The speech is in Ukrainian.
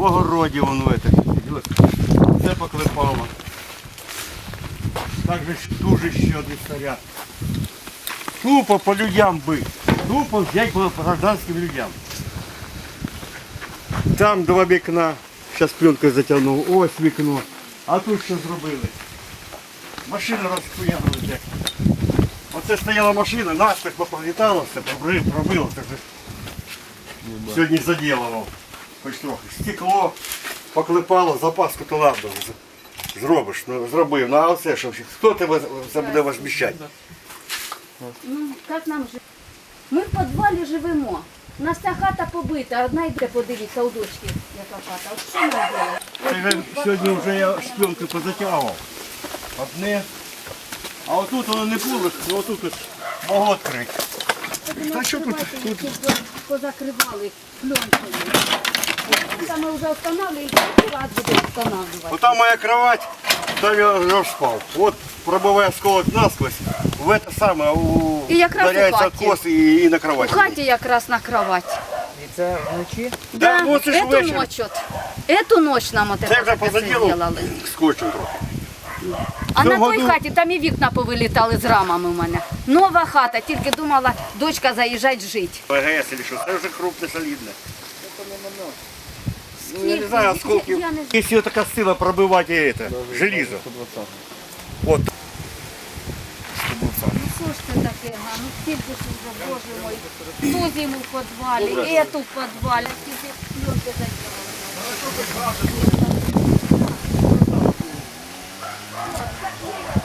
огороді воно це поклепало. Так же ж дуже ще один снаряд. Тупо по людям бить. Тупо взять по гражданським людям. Там два вікна. Зараз пленкою затягнув. Ось вікно. А тут що зробили? Машина розхуянулася. Оце стояла машина, наспіх поповітало все, пробило. Сьогодні заділував. Хоч трохи. Стекло поклепало, запаску то ладно. Зробиш, зробив. Ну а оце що? Хто тебе це буде возміщати? Ну, як нам жити? Ми в підвалі живемо. У нас ця хата побита, одна йде, подивіться, у дочки, яка хата. От що ми робимо? Сьогодні вже я шпленки позатягував. Одне. А отут воно не було, ну отут ось могло відкрити. Та що тут? Позакривали пленкою. Саме вже встановлюють, і раз буде встановлювати. Отам моя кровать, там я розпав. От пробиває осколок насквозь, в це саме І якраз у ударяється хаті. откос і на У кровать. хаті якраз на кровать. І це вночі? Да, ну це ж Эту вечір. ночь от. Эту ночь нам от Це вже це позаділо зробили. скотчем трохи. А на Цього той году- хаті там і вікна повилітали з рамами у мене. Нова хата, тільки думала, дочка заїжджать жити. ПГС или що, це вже крупне, солідне. Ну, я не знаю, осколки. Я не знаю. Якщо така сила пробивати це, желізо. От. Ну що ж це таке, га? Ну скільки ж вже, боже мой, ту зиму в підвалі, ету в підвалі, скільки пленки закривали.